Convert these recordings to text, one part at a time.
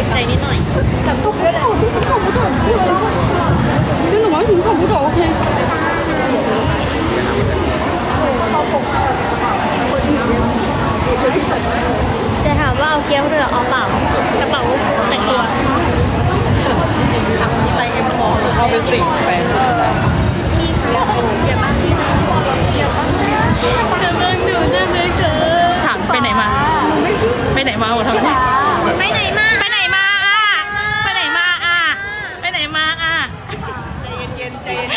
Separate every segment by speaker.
Speaker 1: ใจนิดหน่อย
Speaker 2: แต่ตุ๊กไม่ได้ตุ๊กเขาไม่ได้真的完全看不到 OK
Speaker 1: จะถามว่าเอาเกี๊ยวหรือเอาเปล่ากระเป๋าแต่งตัว
Speaker 2: ไปเอ็มคอเข้าไปสิงแฟน
Speaker 1: พี่เขาอย่ามาพี่เขาอย่ามาจะเบิ่งหนูได้ไหมเธอ
Speaker 2: ถามไปไหนมาไปไหนมาหมดทำไม
Speaker 1: ไปไหนมา
Speaker 2: ไปไหนมาอ่ะไปไหนมาอ่ะไปไหนมาอ่ะใจเย็นใจเย็น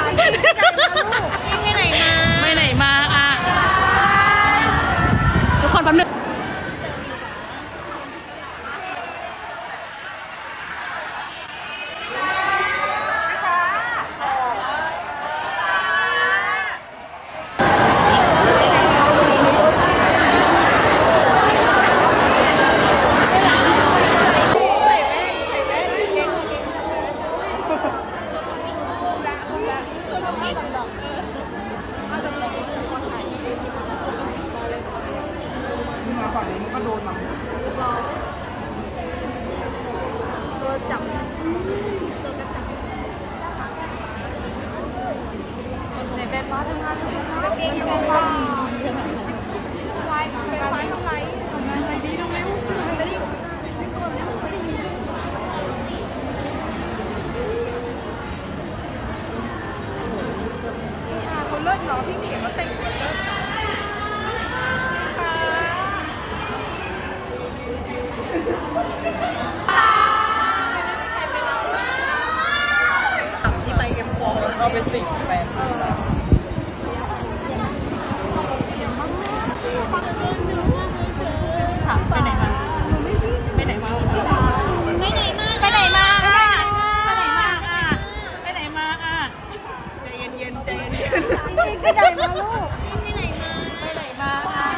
Speaker 1: ไปไหนมา
Speaker 2: ไปไหนมาอ่ะทุกคนแป๊บนึง
Speaker 3: เลิศเนาะพี่หมีเขาแต่งตัวเลิศที่ไปเอ็มโฟแล้วก็ไปสิงแฟนถามไปไหนมาไปไหนมา
Speaker 1: ไปไหนมา
Speaker 2: ไปไหนมาอ่ะไปไหนมาอ่ะไปไหนมาอ่ะ
Speaker 3: ใจเย็นใจเย็นไปไหนมาลูก
Speaker 1: ไปไหนมา
Speaker 2: ไปไหนมาอ่ะ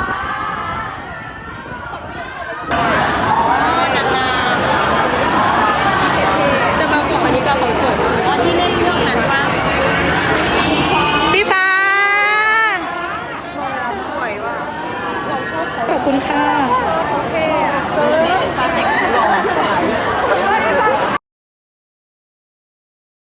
Speaker 2: จะมาบอกอันนี้ก็ของสวย
Speaker 1: อ๋อที่เล่นเรื่องนั้นป่ะ
Speaker 3: พี่ฟ้าสวยว่ะขอบคุณค่ะ